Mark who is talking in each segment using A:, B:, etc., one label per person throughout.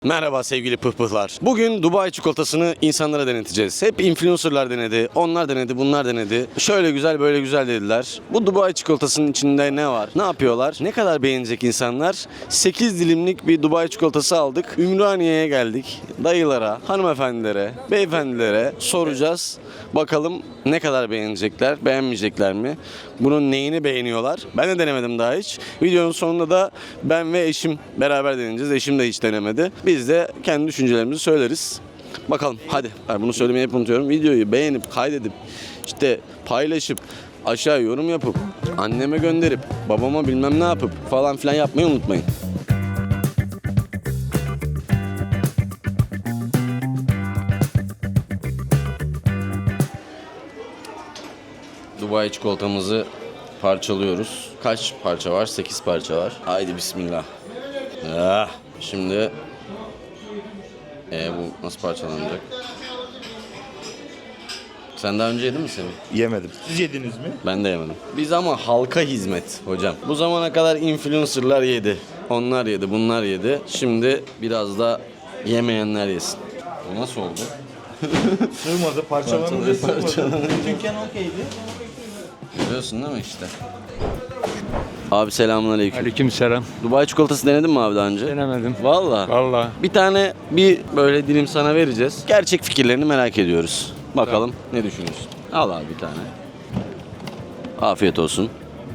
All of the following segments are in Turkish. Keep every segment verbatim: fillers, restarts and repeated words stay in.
A: Merhaba sevgili pıhpıhlar. Bugün Dubai çikolatasını insanlara deneteceğiz. Hep influencerlar denedi, onlar denedi, bunlar denedi. Şöyle güzel, böyle güzel dediler. Bu Dubai çikolatasının içinde ne var? Ne yapıyorlar? Ne kadar beğenecek insanlar? sekiz dilimlik bir Dubai çikolatası aldık. Ümraniye'ye geldik. Dayılara, hanımefendilere, beyefendilere soracağız. Bakalım ne kadar beğenecekler, beğenmeyecekler mi? Bunun neyini beğeniyorlar? Ben de denemedim daha hiç. Videonun sonunda da ben ve eşim beraber deneyeceğiz. Eşim de hiç denemedi. Biz de kendi düşüncelerimizi söyleriz. Bakalım hadi. Ben bunu söylemeyi hep unutuyorum. Videoyu beğenip, kaydedip, işte paylaşıp, aşağı yorum yapıp, anneme gönderip, babama bilmem ne yapıp falan filan yapmayı unutmayın. Dubai çikolatamızı parçalıyoruz. Kaç parça var? sekiz parça var. Haydi bismillah. Ah, şimdi ee, bu nasıl parçalanacak? Sen daha önce yedin mi Semih?
B: Yemedim. Siz yediniz mi?
A: Ben de yemedim. Biz ama halka hizmet hocam. Bu zamana kadar influencerlar yedi. Onlar yedi, bunlar yedi. Şimdi biraz da yemeyenler yesin. Bu nasıl oldu?
B: Sığmadı, parçalanınca sığmadı.
A: parçalanınca.
B: Dükkan okeydi.
A: Görüyorsun değil mi işte? Abi selamünaleyküm.
C: Aleykümselam.
A: Dubai çikolatası denedin mi abi daha önce?
C: Denemedim.
A: Vallahi.
C: Vallahi.
A: Bir tane bir böyle dilim sana vereceğiz. Gerçek fikirlerini merak ediyoruz. Bakalım ne düşünüyorsun? Al abi bir tane. Afiyet olsun.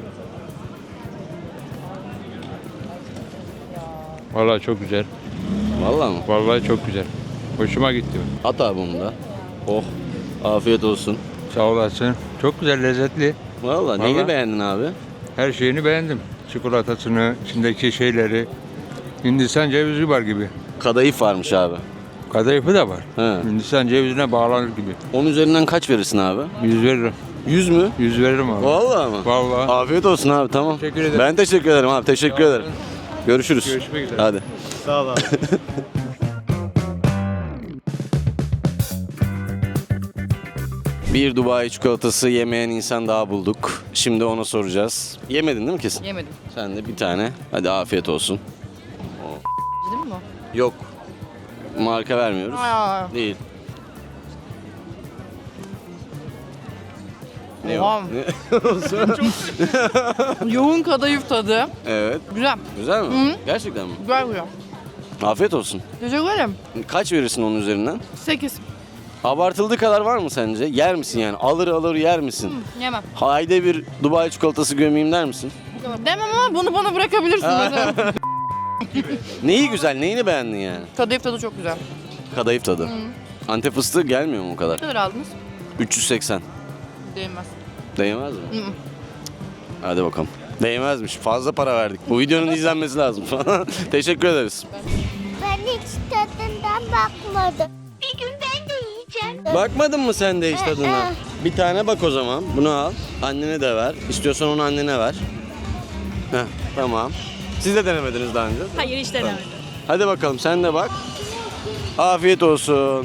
C: Vallahi çok güzel.
A: Vallahi mı?
C: Vallahi çok güzel. Hoşuma gitti.
A: At abi bunu da. Oh. Afiyet olsun.
C: Sağ olasın. Çok güzel, lezzetli.
A: Vallahi neyini
C: Vallahi.
A: beğendin abi?
C: Her şeyini beğendim. Çikolatasını, içindeki şeyleri. Hindistan cevizi var gibi.
A: Kadayıf varmış abi.
C: Kadayıfı da var.
A: He.
C: Hindistan cevizine bağlanır gibi.
A: Onun üzerinden kaç verirsin abi?
C: Yüz veririm.
A: yüz mü?
C: Yüz veririm abi.
A: Vallahi mı?
C: Vallahi.
A: Afiyet olsun abi, tamam.
C: Teşekkür ederim.
A: Ben teşekkür ederim abi, teşekkür ederim. Görüşürüz.
C: Görüşmek üzere.
A: Hadi.
B: Sağ ol abi.
A: Bir Dubai çikolatası yemeyen insan daha bulduk. Şimdi ona soracağız. Yemedin değil mi kesin?
D: Yemedim.
A: Sen de bir tane. Hadi afiyet olsun.
D: Değil mi bu?
A: Yok. Marka vermiyoruz.
D: Aa.
A: Değil. Ne
D: Oha.
A: o? Ne?
D: Yoğun kadayıf tadı.
A: Evet.
D: Güzel.
A: Güzel mi?
D: Hı.
A: Gerçekten mi?
D: Güzel güzel.
A: Afiyet olsun.
D: Teşekkür ederim.
A: Kaç verirsin onun üzerinden?
D: sekiz.
A: Abartıldığı kadar var mı sence? Yer misin yani? Alır alır yer misin?
D: Yemem.
A: Haydi bir Dubai çikolatası gömeyim der misin?
D: Demem ama bunu bana bırakabilirsin mesela.
A: Neyi güzel? Neyini beğendin yani?
D: Kadayıf tadı çok güzel.
A: Kadayıf tadı. Antep fıstığı gelmiyor mu o kadar?
D: Ne kadar aldınız?
A: üç yüz seksen.
D: Değmez.
A: Değmez mi?
D: Hı hı.
A: Hadi bakalım. Değmezmiş. Fazla para verdik. Bu videonun izlenmesi lazım. Teşekkür ederiz.
E: Ben hiç tadından bakmadım. Bir gün ben de yiyeceğim.
A: Bakmadın mı sen de hiç tadına? Bir tane bak o zaman. Bunu al. Annene de ver. İstiyorsan onu annene ver. Heh, tamam. Siz de denemediniz daha önce.
F: Hayır hiç denemedim.
A: Hadi bakalım sen de bak. Afiyet olsun.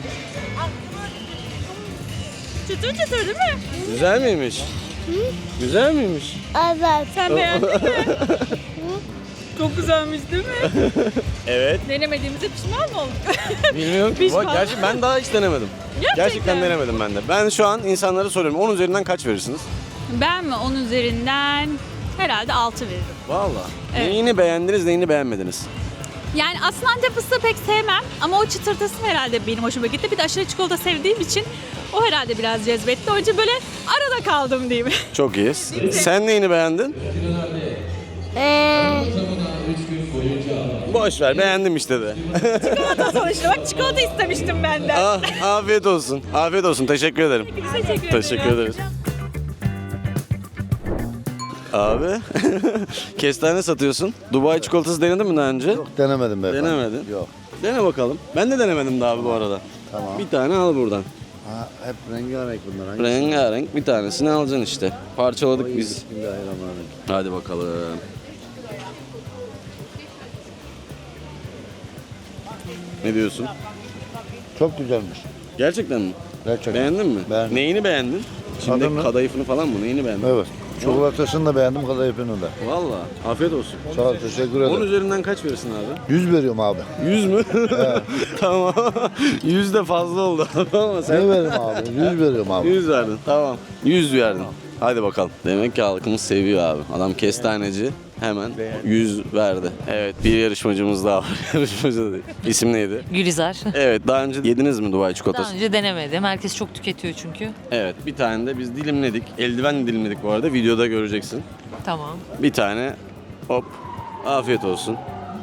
F: Çıtır çıtır değil mi?
A: Güzel miymiş? Güzel miymiş?
E: Evet.
F: Sen beğendin mi? Çok güzelmiş değil mi?
A: Evet.
F: Denemediğimize pişman mı olduk?
A: Bilmiyorum ki.
F: Pişman.
A: Bak, gerçi ben daha hiç denemedim.
F: Gerçekten.
A: Gerçekten denemedim ben de. Ben şu an insanlara soruyorum. on üzerinden kaç verirsiniz?
F: Ben mi? Onun üzerinden herhalde altı veririm.
A: Vallahi.
F: Evet.
A: Neyini beğendiniz, neyini beğenmediniz?
F: Yani aslında Antep fıstığı pek sevmem ama o çıtırtısı herhalde benim hoşuma gitti. Bir de aşırı çikolata sevdiğim için o herhalde biraz cezbetti. Onun için böyle arada kaldım diyeyim.
A: Çok iyi. Sen neyini beğendin?
E: Ee,
A: Boş ver, beğendim işte de.
F: Çikolata sonuçta. Bak çikolata istemiştim benden.
A: Ah, afiyet olsun. Afiyet olsun. Teşekkür ederim.
F: Teşekkür ederim.
A: Teşekkür ederiz. Abi, kestane satıyorsun. Dubai çikolatası denedin mi daha önce?
G: Yok denemedim beyefendi.
A: Denemedin.
G: Yok.
A: Dene bakalım. Ben de denemedim daha abi bu arada.
G: Tamam.
A: Bir tane al buradan.
G: Ha, hep rengarenk bunlar. Hangisi?
A: Rengarenk bir tanesini alacaksın işte. Parçaladık
G: Oy,
A: biz.
G: Bismillahirrahmanirrahim.
A: Hadi bakalım. Ne diyorsun?
G: Çok güzelmiş.
A: Gerçekten mi?
G: Gerçekten.
A: Beğendin mi?
G: Beğendim.
A: Neyini beğendin? Şimdi
G: Tadını.
A: kadayıfını falan mı? Neyini beğendin?
G: Evet. Çikolatasını da beğendim, kadayıfını da.
A: Valla afiyet olsun.
G: Sağ ol, teşekkür
A: on
G: ederim.
A: üzerinden kaç verirsin abi?
G: yüz veriyorum abi.
A: yüz mü? Tamam. yüz de fazla oldu ama
G: Ne
A: sen
G: veririm abi? yüz veriyorum abi.
A: yüz verdin. Tamam. yüz verdin. Hadi bakalım. Demek ki halkımız seviyor abi. Adam kestaneci hemen yüz verdi. Evet, bir yarışmacımız daha var. Yarışmacı da değil. İsim neydi?
H: Gülizar.
A: Evet, daha önce yediniz mi Dubai
H: Daha
A: çikolatası?
H: önce denemedim. Herkes çok tüketiyor çünkü.
A: Evet, bir tane de biz dilimledik. Eldiven dilimledik bu arada. Videoda göreceksin.
H: Tamam.
A: Bir tane hop. Afiyet olsun.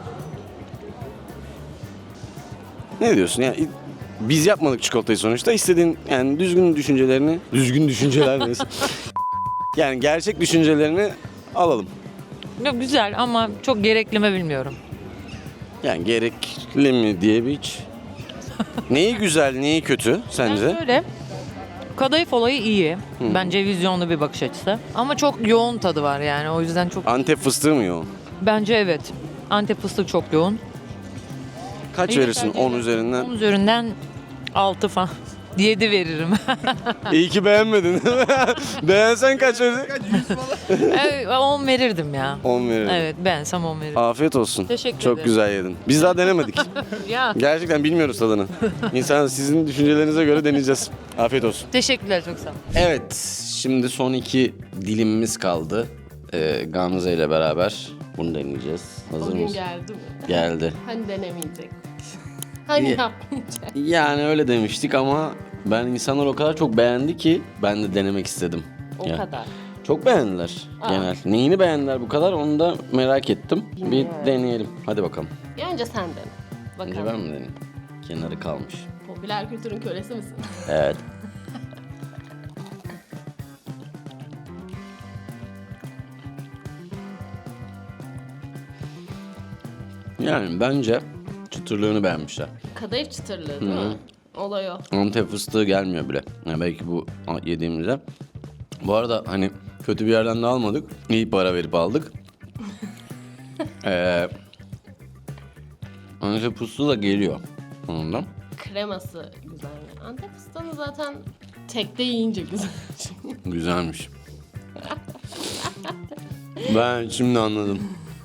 A: Ne diyorsun ya? Biz yapmadık çikolatayı sonuçta. İstediğin yani düzgün düşüncelerini, düzgün düşünceler neyse. Yani gerçek düşüncelerini alalım.
H: Yok, güzel ama çok gerekli mi bilmiyorum.
A: Yani gerekli mi diye bir hiç. Neyi güzel, neyi kötü sence?
H: Yani şöyle, kadayıf olayı iyi. Bence vizyonlu bir bakış açısı. Ama çok yoğun tadı var yani. O yüzden çok...
A: Antep fıstığı mı yoğun?
H: Bence evet. Antep fıstığı çok yoğun.
A: Kaç
H: İyi
A: verirsin
H: tercih
A: on
H: ederim.
A: üzerinden?
H: on üzerinden altı falan. yedi veririm.
A: İyi ki beğenmedin. Beğensen kaç verirsin?
H: Evet, on verirdim ya.
A: on veririm.
H: Evet, beğensem on veririm.
A: Afiyet olsun.
H: Teşekkür
A: Çok
H: ederim.
A: güzel yedin. Biz daha denemedik.
H: Ya.
A: Gerçekten bilmiyoruz tadını. İnsan sizin düşüncelerinize göre deneyeceğiz. Afiyet olsun.
H: Teşekkürler, çok sağ ol.
A: Evet, şimdi son iki dilimimiz kaldı. Ee, Gamze ile beraber bunu deneyeceğiz. Hazır
I: Bugün
A: mısın?
I: geldi mi?
A: Geldi.
I: Hani denemeyecek. Hani
A: İyi.
I: yapmayacak.
A: Yani öyle demiştik ama ben insanlar o kadar çok beğendi ki ben de denemek istedim.
I: O
A: Ya.
I: kadar.
A: Çok beğendiler
I: Aa.
A: genel. Neyini beğendiler bu kadar onu da merak ettim.
I: Bilmiyorum.
A: Bir deneyelim. Hadi bakalım.
I: Ya önce sen dene. Bakalım.
A: Önce ben mi deneyeyim? Kenarı kalmış.
I: Popüler kültürün kölesi misin?
A: Evet. Yani bence çıtırlığını beğenmişler.
I: Kadayıf çıtırlığı değil mi? Olay o.
A: Antep fıstığı gelmiyor bile. Yani belki bu yediğimizde. Bu arada hani kötü bir yerden de almadık. İyi para verip aldık. ee, Antep fıstığı da geliyor ondan.
I: Kreması güzel. Antep fıstığını zaten tekte yiyince güzel.
A: Güzelmiş. Ben şimdi anladım.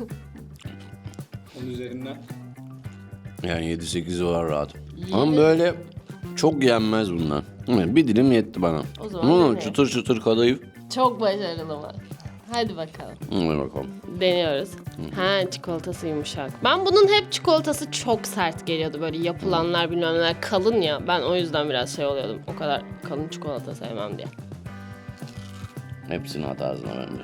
B: Onun üzerinden.
A: Yani yedi sekiz var rahat. Ama böyle çok yenmez bunlar. Evet, bir dilim yetti bana.
I: O zaman
A: Ama
I: dene.
A: çıtır çıtır kadayıf.
I: Çok başarılı mı? Hadi bakalım.
A: Hadi bakalım.
I: Deniyoruz. Ha, çikolatası yumuşak. Ben bunun hep çikolatası çok sert geliyordu. Böyle yapılanlar bilmem neler kalın ya. Ben o yüzden biraz şey oluyordum. O kadar kalın çikolata sevmem diye.
A: Hepsini at ağzına bence.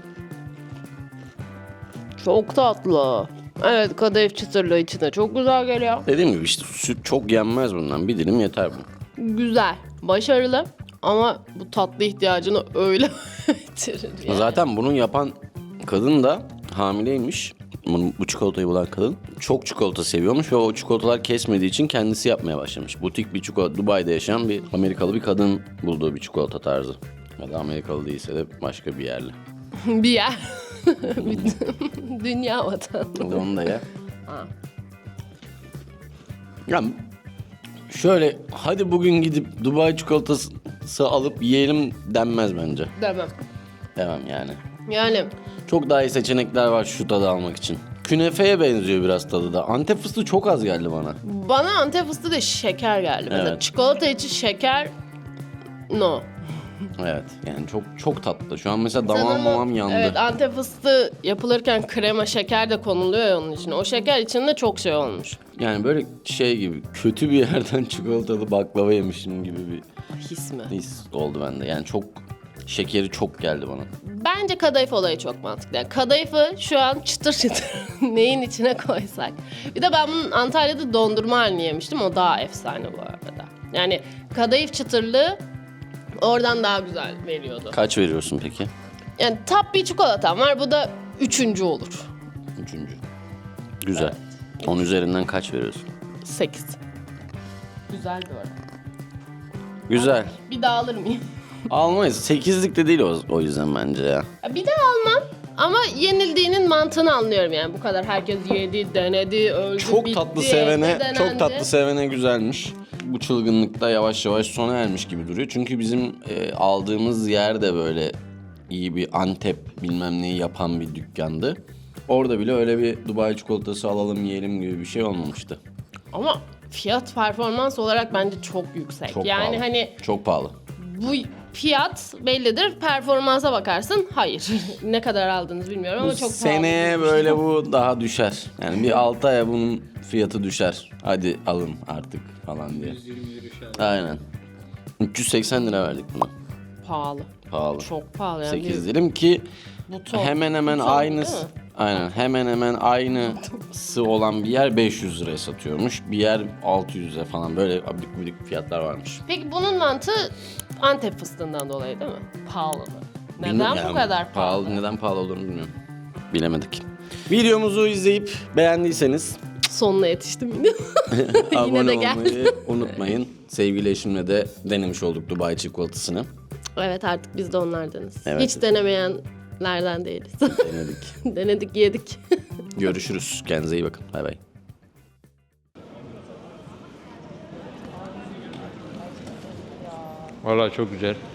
I: Çok tatlı. Evet, kadayıf çıtırlığı içine çok güzel geliyor.
A: Dediğim gibi işte süt çok yenmez bundan. Bir dilim yeter bu.
I: Güzel, başarılı ama bu tatlı ihtiyacını öyle bitirir yani.
A: Zaten bunu yapan kadın da hamileymiş. Bunu, bu çikolatayı bulan kadın çok çikolata seviyormuş ve o çikolatalar kesmediği için kendisi yapmaya başlamış. Butik bir çikolata, Dubai'de yaşayan bir Amerikalı bir kadın bulduğu bir çikolata tarzı. Ya da Amerikalı değilse de başka bir yerli.
I: Bir yer. Dünya vatanı.
A: Hadi onu da ye.
I: Ha.
A: Ya şöyle hadi bugün gidip Dubai çikolatası alıp yiyelim denmez bence.
I: Demem.
A: Demem yani.
I: Yani
A: Çok daha iyi seçenekler var şu tadı almak için. Künefeye benziyor biraz tadı da. Antep fıstığı çok az geldi bana.
I: bana Antep fıstığı da şeker geldi. Mesela
A: Evet.
I: çikolata için şeker no.
A: Evet yani çok çok tatlı. Şu an mesela damağım
I: Sanırım-
A: mamam yandı.
I: Evet, Antep fıstığı yapılırken krema şeker de konuluyor ya onun içine. O şeker içinde çok şey olmuş.
A: Yani böyle şey gibi kötü bir yerden çikolatalı baklava yemişim gibi bir
I: His mi?
A: his oldu bende. Yani çok şekeri çok geldi bana.
I: Bence kadayıf olayı çok mantıklı. Yani kadayıfı şu an çıtır çıtır neyin içine koysak. Bir de ben bunun Antalya'da dondurma halini yemiştim. O daha efsane bu arada. Yani kadayıf çıtırlığı oradan daha güzel veriyordu.
A: Kaç veriyorsun peki?
I: Yani top bir çikolatam var. Bu da üçüncü olur.
A: Üçüncü. Güzel. On üzerinden kaç veriyorsun?
I: Sekiz. Güzel bu arada.
A: Güzel.
I: Bir daha alır mıyım?
A: Almayız. Sekizlik de değil o, o yüzden bence ya.
I: Ya bir daha almam. Ama yenildiğinin mantığını anlıyorum yani. Bu kadar herkes yedi, denedi, öldü,
A: Çok
I: bitti,
A: tatlı sevene,
I: denendi.
A: çok tatlı sevene güzelmiş. Bu çılgınlıkta yavaş yavaş sona ermiş gibi duruyor. Çünkü bizim e, aldığımız yer de böyle iyi bir Antep bilmem neyi yapan bir dükkandı. Orada bile öyle bir Dubai çikolatası alalım yiyelim gibi bir şey olmamıştı.
I: Ama fiyat performans olarak bence çok yüksek.
A: Çok
I: yani
A: pahalı.
I: hani
A: Çok pahalı.
I: bu fiyat bellidir. Performansa bakarsın. Hayır. Ne kadar aldınız bilmiyorum ama
A: Bu
I: çok
A: seneye
I: pahalı.
A: böyle bu daha düşer. Yani bir altı aya bunun fiyatı düşer. Hadi alın artık falan diye. Aynen. üç yüz seksen lira verdik buna.
I: Pahalı.
A: Pahalı.
I: Çok pahalı yani.
A: sekiz
I: Bir
A: dilim ki
I: buton.
A: hemen hemen
I: Buton,
A: aynısı.
I: değil mi?
A: Aynen hemen hemen aynısı olan bir yer beş yüz liraya satıyormuş. Bir yer altı yüze falan böyle abidik gubidik fiyatlar varmış.
I: Peki bunun mantığı Antep fıstığından dolayı değil mi? Pahalı. Neden
A: Bilmiyorum
I: bu
A: yani
I: kadar pahalı?
A: Neden pahalı olduğunu bilmiyorum. Bilemedik. Videomuzu izleyip beğendiyseniz
I: Sonuna yetiştim yine. Yine
A: abone
I: de gel.
A: olmayı unutmayın. Sevgili eşimle de denemiş olduk Dubai çikolatasını.
I: Evet artık biz de onlardanız.
A: Evet.
I: Hiç denemeyenlerden değiliz.
A: Denedik.
I: Denedik yedik.
A: Görüşürüz. Kendinize iyi bakın. Bay bay.
C: Vallahi çok güzel.